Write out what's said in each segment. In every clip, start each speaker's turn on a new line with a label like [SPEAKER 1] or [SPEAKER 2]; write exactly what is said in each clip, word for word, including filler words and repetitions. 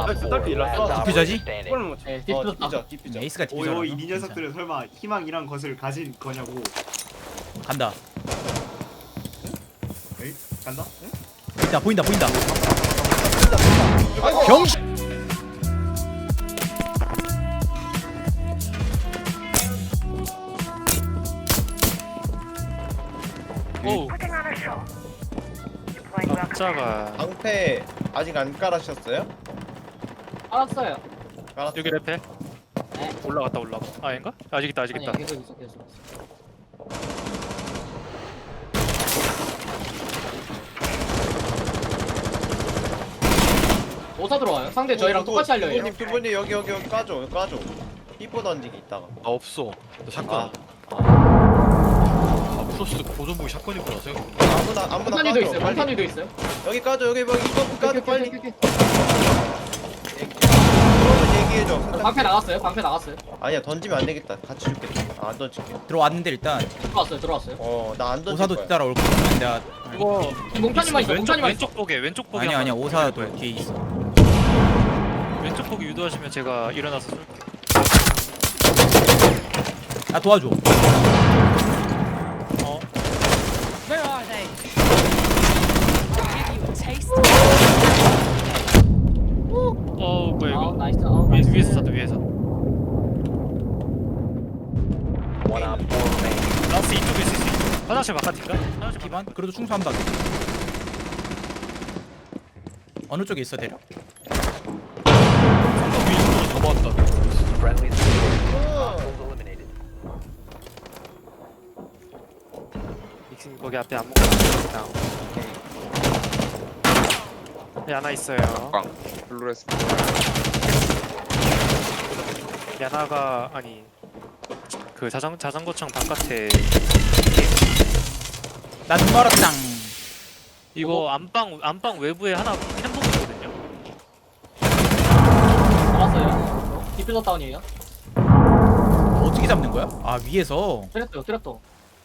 [SPEAKER 1] 딸피 일났어.
[SPEAKER 2] 디퓨저지?
[SPEAKER 1] 이거는 뭐
[SPEAKER 3] 네,
[SPEAKER 4] 어
[SPEAKER 3] 디퓨저
[SPEAKER 4] 디퓨저 디퓨저.
[SPEAKER 2] 에이스가
[SPEAKER 5] 오요
[SPEAKER 2] 디퓨저라서
[SPEAKER 5] 이 녀석들은 설마 희망이란 것을 가진 거냐고.
[SPEAKER 2] 간다.
[SPEAKER 5] 에이? 간다? 응?
[SPEAKER 2] 보인다 보인다 보인다.
[SPEAKER 4] 아이고.
[SPEAKER 2] 병신.
[SPEAKER 6] 오 남자가
[SPEAKER 4] 방패 아직 안 깔아셨어요?
[SPEAKER 3] 알았어요.
[SPEAKER 4] 깔았.
[SPEAKER 6] 여기 레페
[SPEAKER 3] 네.
[SPEAKER 6] 올라갔다 올라가 아 아닌가? 아직 있다 아직
[SPEAKER 3] 아니
[SPEAKER 6] 있다
[SPEAKER 3] 계속 있어 계속 있어. 오사 들어와요. 상대 저희랑 똑같이 하려고 해요.
[SPEAKER 4] 두분님 두분이 여기 여기 여기 까줘 여기 까줘. 삐뽀 던지기 있다가.
[SPEAKER 7] 아 없어. 나 샷건.
[SPEAKER 4] 아.
[SPEAKER 7] 아 프로스트 고전복이 샷건이구나 생각.
[SPEAKER 4] 아무나 아무나
[SPEAKER 3] 폭탄이도
[SPEAKER 4] 까줘.
[SPEAKER 3] 있어요.
[SPEAKER 4] 빨리.
[SPEAKER 3] 폭탄이도 있어요.
[SPEAKER 4] 여기 까줘 여기 여기 이거 까줘
[SPEAKER 3] 오케이,
[SPEAKER 4] 빨리.
[SPEAKER 3] 오케이, 오케이, 오케이.
[SPEAKER 4] 그러면 얘기해줘.
[SPEAKER 3] 방패 나갔어요. 방패 나갔어요.
[SPEAKER 4] 아니야 던지면 안 되겠다. 같이 죽겠다. 아, 안 던질게.
[SPEAKER 2] 들어왔는데 일단
[SPEAKER 3] 들어왔어요. 들어왔어요.
[SPEAKER 4] 어 나 안 던질
[SPEAKER 2] 오사도
[SPEAKER 4] 거야.
[SPEAKER 2] 뒤따라 올 거야. 내가
[SPEAKER 6] 이거
[SPEAKER 3] 몽타니만 있어.
[SPEAKER 6] 왼쪽
[SPEAKER 3] 몽타니만 있어.
[SPEAKER 6] 왼쪽 보게 왼쪽 보게
[SPEAKER 2] 아니야 아니야
[SPEAKER 6] 한번
[SPEAKER 2] 오사도
[SPEAKER 6] 해볼 거예요.
[SPEAKER 2] 뒤에 있어.
[SPEAKER 6] 왼쪽 보기 유도하시면 제가 일어나서 쏠게요
[SPEAKER 2] 나 도와줘.
[SPEAKER 6] 어
[SPEAKER 8] Where are they? Give you a taste.
[SPEAKER 6] 어 뭐야
[SPEAKER 3] 아,
[SPEAKER 6] 이거
[SPEAKER 3] 나이스. 어,
[SPEAKER 6] 위에서
[SPEAKER 3] 나이스.
[SPEAKER 6] 위에서 쐈다 위에서 라스 이쪽에 있을 수 있어 화장실 바깥인가? 화장실
[SPEAKER 2] 기반? 그래도 충수한다. 어느 쪽에 있어 대략?
[SPEAKER 7] 위쪽으로 넘어왔다.
[SPEAKER 6] 믹싱 거기 앞에 안 먹고 네, 하나 있어요
[SPEAKER 1] 블루레스.
[SPEAKER 6] 야나가 아니 그 자전 자전거창 바깥에
[SPEAKER 2] 나눈 멀었당.
[SPEAKER 6] 이거 안방 안방 외부에 하나 햄버거 있거든요.
[SPEAKER 3] 나왔어요. 디퓨저 다운이에요.
[SPEAKER 2] 어떻게 잡는 거야? 아 위에서.
[SPEAKER 3] 트랩도 트랩도.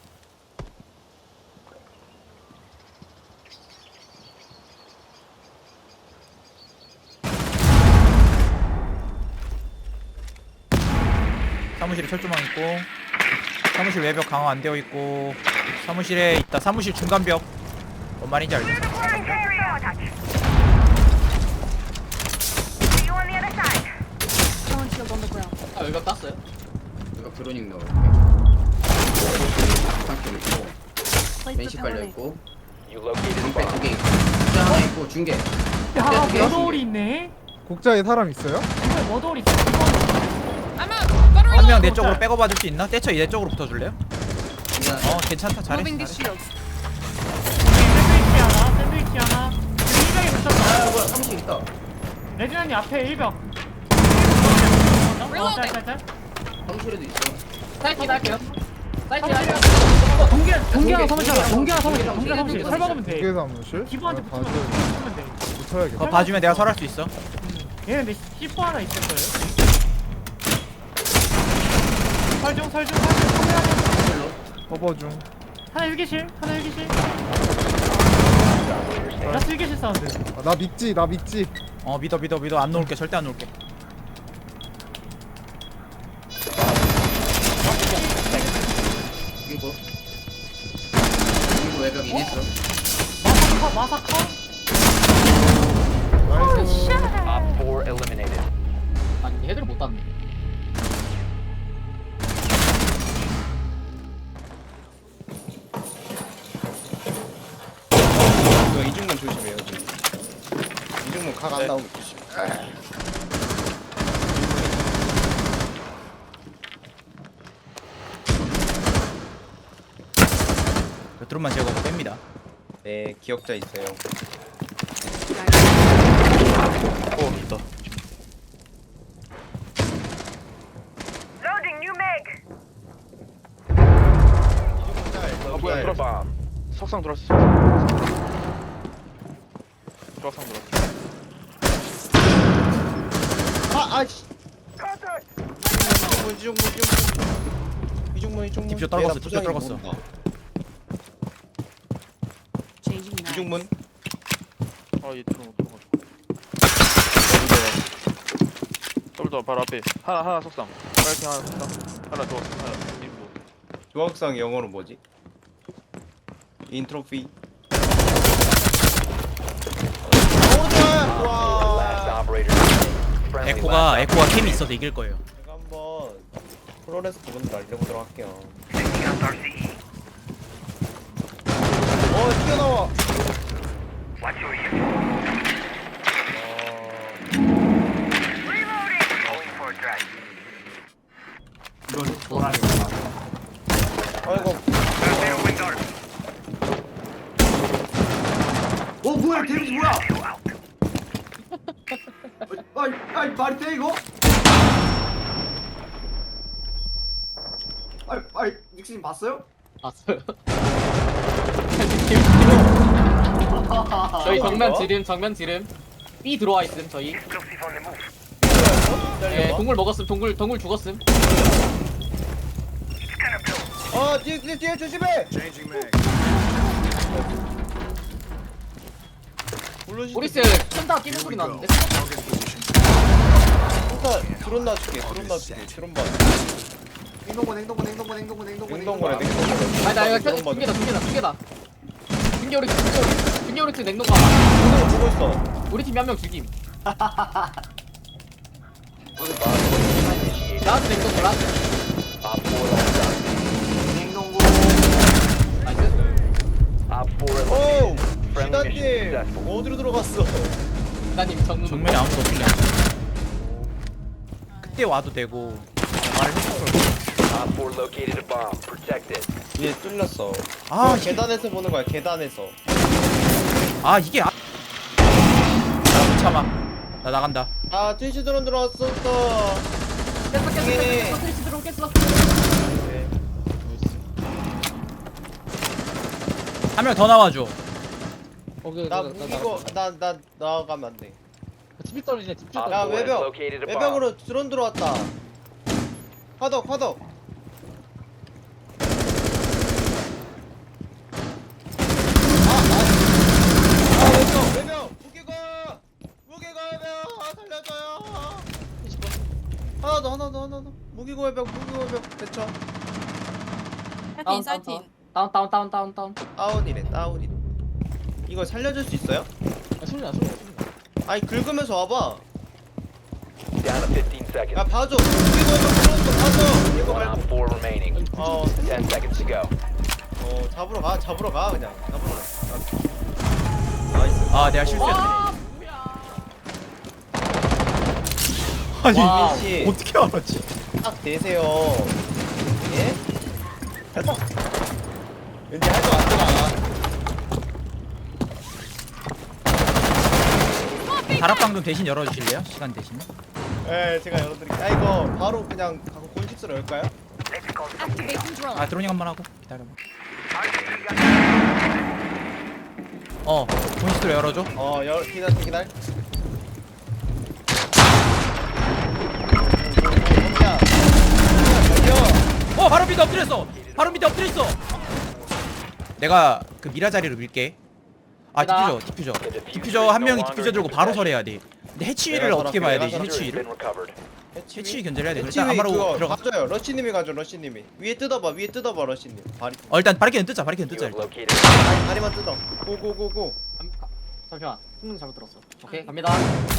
[SPEAKER 2] 사무실에 철조망 있고 사무실 외벽 강화 안 되어 있고 사무실에 있다. 사무실 중간벽. 뭔 말인지 알겠어.
[SPEAKER 8] Someone shield on the ground.
[SPEAKER 3] 아 여기가 땄어요.
[SPEAKER 9] 이거 드로닝 넣을게. 상태 있고,
[SPEAKER 8] Place the
[SPEAKER 9] 맨시 깔려
[SPEAKER 8] pellet.
[SPEAKER 9] 있고, 방패 두 개 있고, 숫자 하나 있고, 중계.
[SPEAKER 10] 야,
[SPEAKER 9] 두 개,
[SPEAKER 10] 머더홀이 있네.
[SPEAKER 11] 국자에 사람 있어요?
[SPEAKER 10] 이거 머더홀이 있어.
[SPEAKER 8] I'm out.
[SPEAKER 2] 한 명 내 쪽으로 백업 받을 수 있나? 떼쳐 내 쪽으로 붙어줄래요?
[SPEAKER 9] 중계 하나.
[SPEAKER 2] 어 괜찮다. 잘했어.
[SPEAKER 8] Moving these
[SPEAKER 2] 잘했어.
[SPEAKER 8] shields.
[SPEAKER 10] 샌드위치 하나, 샌드위치 하나. 일병이 붙었다.
[SPEAKER 9] 아, 뭐야, 삼십 있다.
[SPEAKER 10] 레지나니 앞에 일병. 어, 짤짤짤.
[SPEAKER 9] 사무실에도 있어.
[SPEAKER 3] 사이트 할게요. 사이트 할게요.
[SPEAKER 10] 동계, 동계랑
[SPEAKER 9] 동계,
[SPEAKER 10] 사무실,
[SPEAKER 9] 동계,
[SPEAKER 10] 동계랑 사무실,
[SPEAKER 9] 동계,
[SPEAKER 10] 동계랑 사무실.
[SPEAKER 9] 동계,
[SPEAKER 10] 설 박으면 돼.
[SPEAKER 11] 두개 사무실?
[SPEAKER 10] 기부한테
[SPEAKER 11] 아,
[SPEAKER 10] 붙으면
[SPEAKER 11] 봐줘야
[SPEAKER 10] 붙으면 돼.
[SPEAKER 11] 붙여야겠다.
[SPEAKER 2] 어 봐주면 내가 설할 수 있어.
[SPEAKER 10] 얘는 근데 씨포 하나 있을 거예요. 설중, 설중, 설중.
[SPEAKER 11] 커버 중.
[SPEAKER 10] 하나 일기실, 하나 일기실. 라스 일기실 사운드.
[SPEAKER 11] 아, 나 믿지, 나 믿지.
[SPEAKER 2] 어 믿어 믿어 믿어. 안 놓을게. 절대 안 놓을게.
[SPEAKER 9] 그리고, 그리고 외벽 인했어.
[SPEAKER 10] 마사카, 마사카.
[SPEAKER 11] 나이스.
[SPEAKER 3] 아니 헤드를 못 땄네.
[SPEAKER 4] 이거 이중문 조심해요. 지금. 이중문 각 안 나오게 조심.
[SPEAKER 2] 몇 드론만 제거하고 뺍니다.
[SPEAKER 4] 네 기억자 있어요.
[SPEAKER 7] 어 있다.
[SPEAKER 4] 아
[SPEAKER 1] 뭐야 들어봐. 석상 들어왔어. 석상 들어왔어.
[SPEAKER 4] 아 아씨. 이중문 이중문 이중문 이중문 이중문.
[SPEAKER 2] 디퓨저 떨궜어,
[SPEAKER 4] 내가
[SPEAKER 2] 디퓨저
[SPEAKER 4] 부상이
[SPEAKER 2] 떨궜어.
[SPEAKER 4] 모른다.
[SPEAKER 8] Changing mags.
[SPEAKER 4] 이중문.
[SPEAKER 1] 아얘 들어 들어가. 더블 바로 앞에 하나 하나 속상 파이팅 하나 속상 하나 더 하나 인부
[SPEAKER 4] 조각상 영어로 뭐지? 인트로피. 와.
[SPEAKER 2] 에코가 에코가 캠이 있어도 이길 거예요.
[SPEAKER 4] 제가 한번 프로레스 부분 날려보도록 할게요. 어 튀어나와.
[SPEAKER 5] 이건 보라니까.
[SPEAKER 4] 아이고.
[SPEAKER 5] 어 뭐야 데미지 뭐야? 아이 아이 말이 돼 이거? 아이 아이 닉스님 봤어요?
[SPEAKER 3] 봤어요. 저희 정면 지름 정면 지름 B 들어와 있음 저희. 네 동굴 먹었음 동굴 동굴 죽었음.
[SPEAKER 4] 어 뒤에 뒤에 뒤에 조심해.
[SPEAKER 3] 오리스 쏜다 끼는 소리 나는데.
[SPEAKER 4] 일단 드론 놔줄게. 드론 놔줄게. 드론 봐.
[SPEAKER 5] 행동권 행동권 행동권 행동권 행동권
[SPEAKER 4] 냉동고래 냉동고래.
[SPEAKER 3] 아니 나 이거
[SPEAKER 4] 드론 봐.
[SPEAKER 3] 두 개다 두 개다 두 개다. 중계 오리스 중계 오리스 중계 오리스 냉동가.
[SPEAKER 4] 드론 보고 있어.
[SPEAKER 3] 우리 팀 한 명 죽임. 라스 냉동고 라스.
[SPEAKER 5] 행동권
[SPEAKER 3] 나이스.
[SPEAKER 4] 오. 시단님 어디로 들어갔어?
[SPEAKER 3] 나님 정문.
[SPEAKER 2] 정면에 아무도 없냐. 그때 와도 되고 말을 했을 걸.
[SPEAKER 4] 얘 뚫렸어.
[SPEAKER 2] 아
[SPEAKER 4] 아
[SPEAKER 2] 이게
[SPEAKER 4] 계단에서 보는 거야. 계단에서.
[SPEAKER 2] 아 이게 아. 나 참아. 나 나간다.
[SPEAKER 4] 아 트위치 드론 들어왔어. 또.
[SPEAKER 3] 깼어 깼어
[SPEAKER 4] 예.
[SPEAKER 3] 깼어 트리치 들어오 깼어.
[SPEAKER 2] 한 명 더 나와줘.
[SPEAKER 4] 나 무기고 나나 나가면 안 돼.
[SPEAKER 3] 집이 떨어지네 집이
[SPEAKER 4] 야
[SPEAKER 3] 떨어지네.
[SPEAKER 4] 외벽 외벽으로 드론 들어왔다. 화덕 화덕. 아, 아, 외벽 외벽 무기고 무기고 외벽 아, 살려줘요. 하나 더 하나 더 하나 더 무기고 외벽 무기고 외벽 대처.
[SPEAKER 3] 다운 다운 다운 다운 다운 다운 다운.
[SPEAKER 4] 다운이래 다운이래. 이거 살려줄 수 있어요?
[SPEAKER 3] 소리나 소리나.
[SPEAKER 4] 아니 긁으면서 와봐. 야 봐줘. 무기고 외벽 들어온거 봐줘. 이거 말고. 어. 어 잡으러 가 잡으러 가 그냥 잡으러 가. 나이스.
[SPEAKER 2] 아 내가 실수했네.
[SPEAKER 3] 와
[SPEAKER 2] 아니
[SPEAKER 3] 와우.
[SPEAKER 4] 씨.
[SPEAKER 2] 어떻게 알았지?
[SPEAKER 4] 딱 대세요. 예? 왠지 할 것 같더라.
[SPEAKER 2] 다락방금 대신 열어주실래요? 시간 대신.
[SPEAKER 4] 예, 제가 열어드릴게요. 아 이거 바로 그냥 가고 곤식스로 열까요?
[SPEAKER 8] Activating drone.
[SPEAKER 2] 아 드로닝 한 번 하고 기다려봐. 어 본식으로 열어줘.
[SPEAKER 4] 어, 열 기다려 기다려. 야, 달려.
[SPEAKER 2] 어 바로 밑에 엎드렸어. 바로 밑에 엎드렸어. 내가 그 미라 자리로 밀게. 아 디퓨저 디퓨저 디퓨저 한 명이 디퓨저 들고 바로 설해야 돼. 근데 해치위를
[SPEAKER 4] 내가
[SPEAKER 2] 어떻게
[SPEAKER 4] 설할게,
[SPEAKER 2] 봐야
[SPEAKER 4] 내가
[SPEAKER 2] 되지? 해치위를? 해치위
[SPEAKER 4] 해치위
[SPEAKER 2] 견제를 해야 돼.
[SPEAKER 4] 해치위
[SPEAKER 2] 일단 아마로
[SPEAKER 4] 그거
[SPEAKER 2] 들어가.
[SPEAKER 4] 가져요. 러시님이 가져. 러시님이 위에 뜯어봐. 위에 뜯어봐. 러시님. 다리
[SPEAKER 2] 어 일단 바리케는 뜯자. 바리케는 뜯자 일단.
[SPEAKER 4] 다리 다리만 뜯어. 고고고고.
[SPEAKER 3] 잠시만 흥분 잘못 들었어. 오케이 갑니다.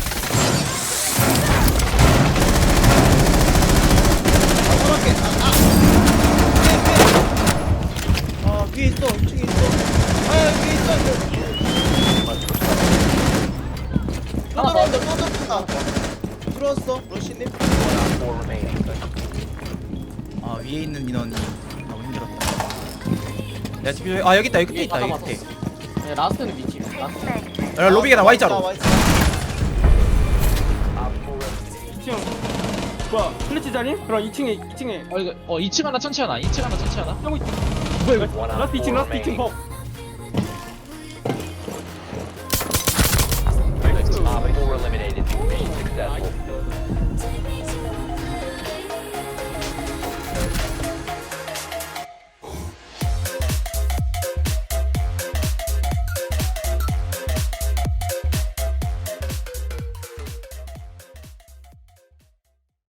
[SPEAKER 4] 아, 서랍게. 아, 아. 아, 위에 있어. 이 층에 있어. 아, 위에 있어. 또 들어온다. 또 들어온다. 들어왔어. 러시님.
[SPEAKER 2] 아 위에 있는 민원이 너무 힘들었다. 내가 디퓨저 아 여기 있다. 여기 끝에 있다. 여기 끝에.
[SPEAKER 3] 네 라스트는 위치. 라스트.
[SPEAKER 2] 야 로비 계단 Y자로.
[SPEAKER 4] 아, Y자.
[SPEAKER 10] 뭐야 플래치 자리? 그럼 이 층에 이 층에
[SPEAKER 3] 어 이거 어 이 층 하나 천치 하나 이 층 하나 천치 하나.
[SPEAKER 10] 뭐야 이거 라스트 이 층 라스트 이 층 버